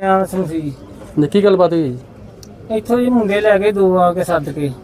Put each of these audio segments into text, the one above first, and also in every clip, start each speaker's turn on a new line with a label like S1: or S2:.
S1: ਆ ਸਮਝੀ
S2: ਜੀ ਕੀ ਗੱਲਬਾਤ ਹੋਈ ਜੀ?
S1: ਇੱਥੋਂ ਜੀ ਮੁੰਡੇ ਲੈ ਕੇ ਦੋ ਆ ਕੇ ਸੱਦ ਕੇ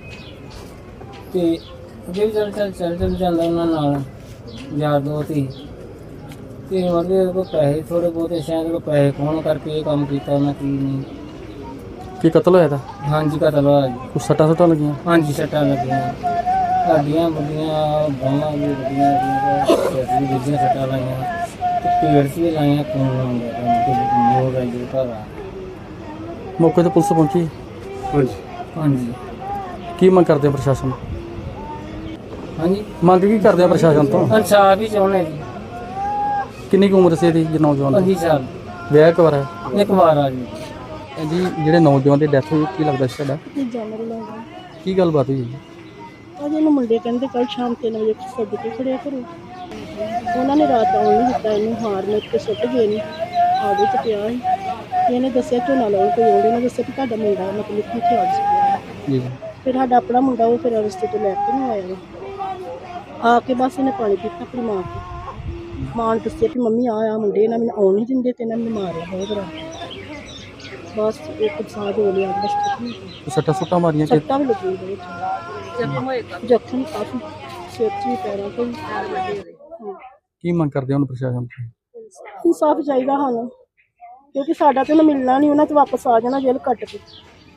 S1: ਤੇ ਅੱਗੇ ਵੀ ਚੱਲ ਜਾਂਦਾ ਉਹਨਾਂ ਨਾਲ ਯਾਰ ਦੋਸਤ ਹੀ ਤੇ ਉਹਦੇ ਕੋਲ ਪੈਸੇ ਥੋੜੇ ਬਹੁਤੇ ਸ਼ਾਇਦ ਉਹ ਪੈਸੇ ਕੌਣ ਕਰਕੇ ਇਹ ਕੰਮ ਕੀਤਾ ਉਹਨਾਂ ਕੀ ਨਹੀਂ।
S2: ਕੀ ਕਤਲ ਹੋਇਆ ਤਾਂ?
S1: ਹਾਂਜੀ ਕਤਲ ਹੋਇਆ ਜੀ।
S2: ਕੁਛ ਸੱਟਾਂ ਲੱਗੀਆਂ?
S1: ਹਾਂਜੀ ਸੱਟਾਂ ਲੱਗੀਆਂ ਸਾਡੀਆਂ ਵੱਡੀਆਂ ਬਾਹਾਂ ਵੀ ਵੱਡੀਆਂ ਵੀ ਦੂਜੀਆਂ ਸੱਟਾਂ ਲਾਈਆਂ ਤੇ ਪੇੜ 'ਚ ਵੀ ਲਾਈਆਂ ਖੂਨ ਆਉਂਦਾ ਤੇ ਮੋਰ ਆ ਜੀ ਘਰ ਆ।
S2: ਮੌਕੇ ਤੇ ਪੁਲਿਸ ਪਹੁੰਚੀ?
S1: ਹਾਂਜੀ ਹਾਂਜੀ
S2: ਕੀ ਮੰਗ ਕਰਦੇ ਆ ਪ੍ਰਸ਼ਾਸਨ?
S1: ਹਾਂਜੀ
S2: ਮੰਗ ਕੀ ਕਰਦੇ ਆ ਪ੍ਰਸ਼ਾਸਨ ਤੋਂ?
S1: ਇਨਸਾਫ ਹੀ ਚਾਹੁੰਦੇ ਜੀ।
S2: ਕਿੰਨੀ ਕੁ ਉਮਰ ਸੀ ਇਹਦੀ ਜੀ ਨੌਜਵਾਨ ਦੀ?
S1: 25 ਸਾਲ
S2: ਵਿਆਹ ਕਵਾਰ ਹੈ?
S1: ਇੱਕ ਵਾਰ ਆ ਜੀ।
S2: ਜੀ ਜਿਹੜੇ ਨੌਜਵਾਨ ਦੀ ਡੈਥ ਹੋਈ ਕੀ ਲੱਗਦਾ ਸੀ ਤੁਹਾਡਾ?
S3: ਜਾਨਵਰ ਲਾਉਂਦਾ
S2: ਕੀ ਗੱਲਬਾਤ ਹੋਈ ਜੀ?
S3: ਅਜੇ ਨੂੰ ਮੁੰਡੇ ਕਹਿੰਦੇ ਕੱਲ ਸ਼ਾਮ 3 ਵਜੇ ਸੱਦ ਕੇ ਖੜਿਆ ਕਰੋ। ਉਹਨਾਂ ਨੇ ਰਾਤ ਆਉਣ ਨਹੀਂ ਦਿੱਤਾ ਇਹਨੂੰ ਹਾਰ ਨੇ ਉੱਤੇ ਸੁੱਟ ਗਏ ਨੇ ਆਗੇ ਚ ਪਿਆ ਸੀ। ਇਹਨੇ ਦੱਸਿਆ ਝੋਨਾ ਲਾਉਣ ਕੋਈ ਆਉਂਦੇ ਨੇ ਦੱਸਿਆ ਕਿ ਤੁਹਾਡਾ ਮੁੰਡਾ ਮਤਲਬ ਕਿ ਇੱਥੇ ਆ ਗਿਆ
S2: ਜੀ
S3: ਫਿਰ ਸਾਡਾ ਆਪਣਾ ਮੁੰਡਾ ਉਹ ਫਿਰ ਰਸਤੇ ਤੋਂ ਲੈ ਕੇ ਨਹੀਂ ਆਇਆ ਆ ਕੇ ਬਸ ਇਹਨੇ ਪਾਣੀ ਪੀਤਾ ਆਪਣੀ ਮਾਂ ਤੋਂ। ਮਾਂ ਨੇ ਦੱਸਿਆ ਕਿ ਮੰਮੀ ਆ ਮੁੰਡੇ ਇਹਨਾਂ ਮੈਨੂੰ ਆਉਣ ਨਹੀਂ ਦਿੰਦੇ ਤੇ ਇਹਨਾਂ ਮੈਨੂੰ ਮਾਰਿਆ ਬਹੁਤ ਰਾਤ ਬਸ ਇੱਕ ਸਾਹ ਹੋ ਲਿਆ ਬਸ।
S2: ਸੱਟਾਂ ਮਾਰੀਆਂ ਕਿ?
S3: ਸੱਟਾਂ ਵੀ ਲੱਗੀਆਂ ਬਹੁਤ ਜ਼ਖਮ ਕਾਫੀ ਸਿਰ 'ਚ ਵੀ ਪੈਰਾਂ 'ਤੇ ਵੀ।
S2: ਕੀ ਮੰਗ ਕਰਦੇ ਹੁਣ ਪ੍ਰਸ਼ਾਸਨ ਤੋਂ?
S3: ਇਨਸਾਫ ਚਾਹੀਦਾ ਸਾਨੂੰ ਕਿਉਂਕਿ ਸਾਡਾ ਤਾਂ ਮਿਲਣਾ ਨਹੀਂ ਉਹਨਾਂ ਤੇ ਵਾਪਸ ਆ ਜਾਣਾ ਜੇਲ੍ਹ ਕੱਟ ਕੇ।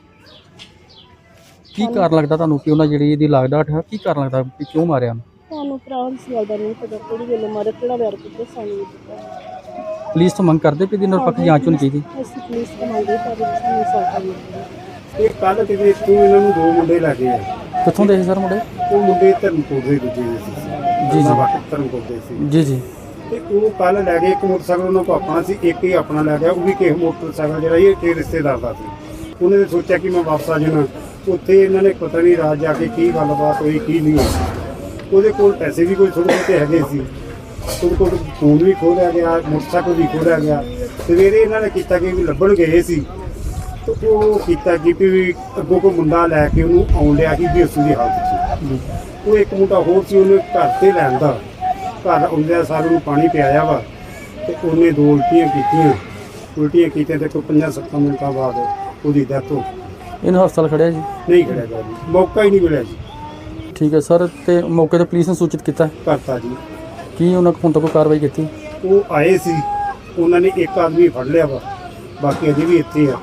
S2: ਕੀ ਕਾਰਨ ਲੱਗਦਾ ਤੁਹਾਨੂੰ ਕਿ ਉਹਨਾਂ ਜਿਹੜੀ ਇਹਦੀ ਲਾਗਡਾਟ ਹੈ ਕੀ ਕਾਰਨ ਲੱਗਦਾ ਕਿ ਕਿਉਂ ਮਾਰਿਆ ਉਹਨੂੰ?
S3: ਸਾਨੂੰ ਭਰਾ ਇਸ ਗੱਲ ਦਾ ਨਹੀਂ ਪਤਾ ਕਿਹੜੀ ਵੇਲੇ ਮਾਰੇ ਕਿਹੜਾ ਵੈਰ ਕੀਤਾ ਸਾਨੂੰ ਨਹੀਂ ਪਤਾ।
S2: ਪੁਲਿਸ ਤੋਂ ਮੰਗ ਕਰਦੇ ਕਿ ਇਹਦੀ ਨਿਰਪੱਖ ਜਾਂਚ ਹੋਣੀ ਚਾਹੀਦੀ?
S3: ਅਸੀਂ ਪੁਲਿਸ ਤੋਂ ਮੰਗਦੇ ਪਰ ਸਾਨੂੰ ਇਨਸਾਫ ਮਿਲੇ।
S4: ਇਹ ਕੱਲ ਕਿਤੇ ਤੂੰ ਇਹਨਾਂ ਨੂੰ ਦੋ ਮੁੰਡੇ ਲੈ ਕੇ ਆ।
S2: ਕਿੱਥੋਂ ਦੇ ਸੀ ਸਰ ਮੁੰਡੇ?
S4: ਉਹ ਮੁੰਡੇ ਧਰਮਕੋਟ ਦੇ ਦੂਜੇ ਦੇ ਸੀ।
S2: ਜੀ ਜੀ
S4: ਧਰਮਕੋਟ ਦੇ ਸੀ
S2: ਜੀ ਜੀ
S4: ਤੇ ਉਹ ਕੱਲ ਲੈ ਗਏ ਇੱਕ ਮੋਟਰਸਾਈਕਲ ਉਹਨਾਂ ਕੋਲ ਆਪਣਾ ਸੀ ਇੱਕ ਹੀ ਆਪਣਾ ਲੈ ਗਿਆ ਉਹ ਵੀ ਕਿਸੇ ਮੋਟਰਸਾਈਕਲ ਜਿਹੜਾ ਇਹ ਕਿ ਰਿਸ਼ਤੇਦਾਰ ਦਾ ਸੀ। ਉਹਨੇ ਤਾਂ ਸੋਚਿਆ ਕਿ ਮੈਂ ਵਾਪਸ ਆ ਜਾਣਾ। ਉੱਥੇ ਇਹਨਾਂ ਨੇ ਪਤਾ ਨਹੀਂ ਰਾਤ ਜਾ ਕੇ ਕੀ ਗੱਲਬਾਤ ਹੋਈ ਕੀ ਨਹੀਂ ਹੋਈ। ਉਹਦੇ ਕੋਲ ਪੈਸੇ ਵੀ ਕੋਈ ਥੋੜ੍ਹੇ ਬਹੁਤੇ ਹੈਗੇ ਸੀ। ਉਹਦੇ ਕੋਲ ਫੋਨ ਵੀ ਖੋਹ ਲਿਆ ਗਿਆ ਮੋਟਰਸਾਈਕਲ ਵੀ ਖੋਹ ਲਿਆ ਗਿਆ। ਸਵੇਰੇ ਇਹਨਾਂ ਨੇ ਕੀਤਾ ਕਿ ਵੀ ਲੱਭਣ ਗਏ ਸੀ ਤੇ ਉਹ ਕੀਤਾ ਕਿ ਵੀ ਅੱਗੋਂ ਕੋਈ ਮੁੰਡਾ ਲੈ ਕੇ ਉਹਨੂੰ ਆਉਣ ਲਿਆ ਸੀ ਬੇਸੂ ਦੀ ਹਾਲਤ 'ਚ। ਉਹ ਇੱਕ ਮੁੰਡਾ ਹੋਰ ਸੀ ਉਹਨੇ ਘਰ ਤੇ ਲੈਂਦਾ ਘਰ ਆਉਂਦਿਆਂ ਸਾਰਿਆਂ ਨੂੰ ਪਾਣੀ ਪਿਆਇਆ ਵਾ ਤੇ ਉਹਨੇ ਦੋ ਉਲਟੀਆਂ ਕੀਤੀਆਂ ਤੇ ਕੋਈ 5-7 ਮਿੰਟਾਂ ਬਾਅਦ ਉਹਦੀ ਡੈਥ ਹੋ ਗਈ।
S2: ਇਹਨੂੰ ਹਸਪਤਾਲ ਖੜਿਆ ਜੀ?
S4: ਨਹੀਂ ਖੜਿਆ ਗਿਆ ਜੀ ਮੌਕਾ ਹੀ ਨਹੀਂ ਮਿਲਿਆ ਜੀ।
S2: ਠੀਕ ਹੈ ਸਰ ਤੇ ਮੌਕੇ ਤੇ ਪੁਲਿਸ ਨੇ ਸੂਚਿਤ ਕੀਤਾ
S4: ਕਰਤਾ ਜੀ।
S2: ਕੀ ਉਹਨਾਂ ਕੋਲ ਹੁਣ ਤੱਕ ਕੋਈ ਕਾਰਵਾਈ ਕੀਤੀ?
S4: ਉਹ ਆਏ ਸੀ ਉਹਨਾਂ ਨੇ ਇੱਕ ਆਦਮੀ ਫੜ ਲਿਆ ਵਾ ਬਾਕੀ ਅਜੇ ਵੀ ਇੱਥੇ ਆ।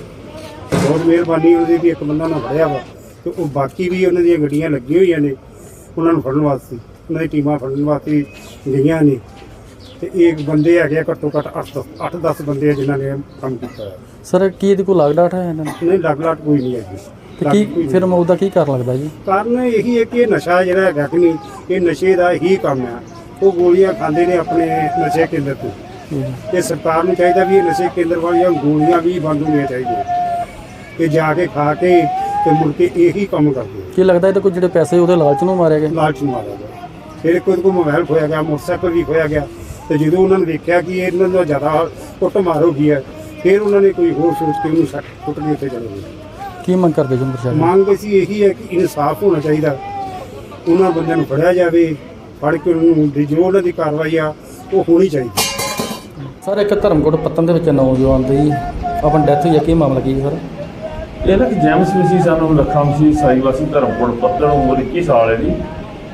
S4: ਬਹੁਤ ਮਿਹਰਬਾਨੀ ਉਹਦੀ ਵੀ ਇੱਕ ਬੰਦਾ ਨਾ ਫੜਿਆ ਵਾ ਤੇ ਉਹ ਬਾਕੀ ਵੀ ਉਹਨਾਂ ਦੀਆਂ ਗੱਡੀਆਂ ਲੱਗੀਆਂ ਹੋਈਆਂ ਨੇ ਉਹਨਾਂ ਨੂੰ ਫੜਨ ਵਾਸਤੇ। ਉਹਨਾਂ ਦੀ ਟੀਮਾਂ ਫੜਨ ਵਾਸਤੇ ਗਈਆਂ ਨੇ ਤੇ ਇਹ ਬੰਦੇ ਹੈਗੇ ਆ ਘੱਟੋ ਘੱਟ 8-10 ਬੰਦੇ ਆ ਜਿਨ੍ਹਾਂ ਨੇ ਕੰਮ ਕੀਤਾ ਹੈ।
S2: ਸਰ ਕੀ ਇਹਦੀ ਕੋਈ ਲਾਗਡਾਟ ਹੈ ਇਹਨਾਂ ਨੂੰ?
S4: ਨਹੀਂ ਲੱਗ ਕੋਈ ਨਹੀਂ ਹੈਗੀ।
S2: ਤੇ ਕੀ ਫਿਰ ਮੌਤ ਦਾ ਕੀ ਕਾਰਨ ਲੱਗਦਾ ਜੀ?
S4: ਕਾਰਨ ਇਹੀ ਹੈ ਕਿ ਇਹ ਨਸ਼ਾ ਜਿਹੜਾ ਹੈਗਾ ਕਿ ਨਹੀਂ ਇਹ ਨਸ਼ੇ ਦਾ ਹੀ ਕੰਮ ਆ। ਉਹ ਗੋਲੀਆਂ ਖਾਂਦੇ ਨੇ ਆਪਣੇ ਨਸ਼ੇ ਕੇਂਦਰ ਤੋਂ। ਇਹ ਸਰਕਾਰ ਨੂੰ ਚਾਹੀਦਾ ਵੀ ਇਹ ਨਸ਼ੇ ਕੇਂਦਰ ਵਾਲੀਆਂ ਗੋਲੀਆਂ ਵੀ ਬੰਦ ਹੋਣੀਆਂ ਚਾਹੀਦੀਆਂ ਤੇ ਜਾ ਕੇ ਖਾ ਕੇ ਤੇ ਮੁੜ ਕੇ ਇਹੀ ਕੰਮ ਕਰਦੇ।
S2: ਕੀ ਲੱਗਦਾ ਇਹਦੇ ਕੋਲ ਜਿਹੜੇ ਪੈਸੇ ਉਹਦੇ ਲਾਲਚ ਨੂੰ ਮਾਰਿਆ ਗਿਆ?
S4: ਲਾਲਚ ਨੂੰ ਮਾਰਿਆ ਗਿਆ। ਫਿਰ ਕੋਈ ਮੋਬਾਈਲ ਖੋਇਆ ਗਿਆ ਮੋਟਰਸਾਈਕਲ ਵੀ ਖੋਇਆ ਗਿਆ ਤੇ ਜਦੋਂ ਉਹਨਾਂ ਨੇ ਦੇਖਿਆ ਕਿ ਇਹਨਾਂ ਦਾ ਜ਼ਿਆਦਾ ਕੁੱਟ ਮਾਰ ਹੋ ਗਈ ਹੈ ਫਿਰ ਉਹਨਾਂ ਨੇ ਕੋਈ ਹੋਰ ਸੋਚ ਕੇ ਉਹਨੂੰ ਸੱਟ ਕੁੱਟ ਕੇ ਉੱਥੇ ਚਲੇ ਗਏ।
S2: ਕੀ ਮੰਗ ਕਰਦੇ ਜੀ ਪ੍ਰਸ਼ਾਸਨ?
S4: ਮੰਗ ਅਸੀਂ ਇਹੀ ਹੈ ਕਿ ਇਨਸਾਫ ਹੋਣਾ ਚਾਹੀਦਾ। ਉਹਨਾਂ ਬੰਦਿਆਂ ਨੂੰ ਫੜਿਆ ਜਾਵੇ ਫੜ ਕੇ ਉਹਨੂੰ ਜੋ ਉਹਨਾਂ ਦੀ ਕਾਰਵਾਈ ਆ ਉਹ ਹੋਣੀ ਚਾਹੀਦੀ।
S2: ਸਰ ਇੱਕ ਧਰਮਕੋਟ ਪੱਤਨ ਦੇ ਵਿੱਚ ਨੌਜਵਾਨ ਦੀ ਆਪਣੀ ਡੈਥ ਹੋਈ ਹੈ ਕੀ ਮਾਮਲਾ ਕੀ ਸਰ?
S5: ਇਹ ਨਾ ਕਿ ਜੈਮਸ ਵੀ ਸੀ ਸਾਨੂੰ ਲੱਖਾਂ ਸੀ ਸਾਈਵਾਸੀ ਧਰਮਕੋਟ ਪੱਤਣ ਉਮਰ 21 ਸਾਲ ਹੈ ਜੀ।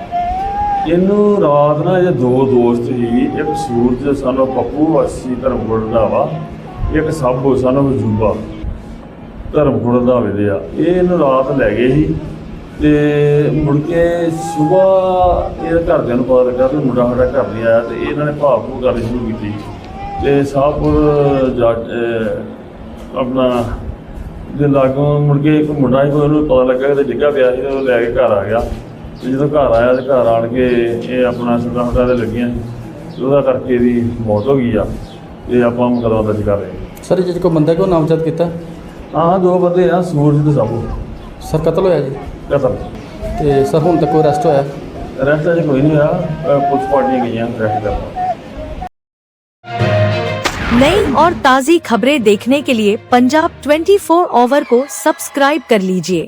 S5: ਇਹਨੂੰ ਰਾਤ ਨਾ ਇਹ ਦੋ ਦੋਸਤ ਸੀ ਇੱਕ ਸੂਰਜ ਸਾਨੂੰ ਪੱਪੂ ਵਾਸੀ ਧਰਮਕੋਟ ਦਾ ਵਾ ਇੱਕ ਸਾਬੋ ਸਾਨੂੰ ਵਜੂਬਾ ਧਰਮਕੋਟ ਦਾ ਵੇਲੇ ਆ। ਇਹ ਇਹਨੂੰ ਰਾਤ ਲੈ ਗਏ ਸੀ ਤੇ ਮੁੜ ਕੇ ਸੁਬਾਹ ਇਹ ਘਰਦਿਆਂ ਨੂੰ ਪਤਾ ਲੱਗਾ ਕਿ ਮੁੰਡਾ ਸਾਡਾ ਘਰ ਨਹੀਂ ਆਇਆ ਤੇ ਇਹਨਾਂ ਨੇ ਭਾਵ ਕਰਨੀ ਸ਼ੁਰੂ ਕੀਤੀ ਤੇ ਸਾਹਪੁਰ ਜਾ ਆਪਣਾ ਦੇ ਲਾਗੋਂ ਮੁੜ ਕੇ ਇੱਕ ਮੁੰਡਾ ਸੀ ਉਹਨੂੰ ਪਤਾ ਲੱਗਾ ਕਿ ਡਿੱਗਾ ਪਿਆ ਸੀ ਉਹ ਲੈ ਕੇ ਘਰ ਆ ਗਿਆ ਤੇ ਜਦੋਂ ਘਰ ਆਇਆ ਤੇ ਘਰ ਆਣ ਕੇ ਇਹ ਆਪਣਾ ਸੱਟਾਂ ਦੇ ਲੱਗੀਆਂ ਸੀ ਉਹਦਾ ਕਰਕੇ ਇਹਦੀ ਮੌਤ ਹੋ ਗਈ ਆ। ਇਹ ਆਪਾਂ ਮੁਕੱਦਮਾ ਦਰਜ ਕਰ ਰਹੇ ਹਾਂ।
S2: ਸਰ ਜੇ ਕੋਈ ਬੰਦਾ ਕੋਈ ਨਾਮਜ਼ਦ ਕੀਤਾ?
S5: ਹਾਂ ਦੋ ਬੰਦੇ ਆ ਸੂਰਜ ਤੇ ਸਾਬੂ।
S2: ਸਰ ਕਤਲ ਹੋਇਆ ਜੀ?
S5: ਕਤਲ।
S2: ਤੇ ਸਰ ਹੁਣ ਤੱਕ ਕੋਈ ਅਰੈਸਟ ਹੋਇਆ?
S5: ਅਰੈਸਟ ਅਜੇ ਕੋਈ ਨਹੀਂ ਹੋਇਆ ਪੁਲਿਸ ਪਾਰਟੀਆਂ ਗਈਆਂ ਅਰੈਸਟ ਕਰਨ।
S6: नई और ताज़ी खबरें देखने के लिए पंजाब 24 ऑवर को सब्सक्राइब कर लीजिए।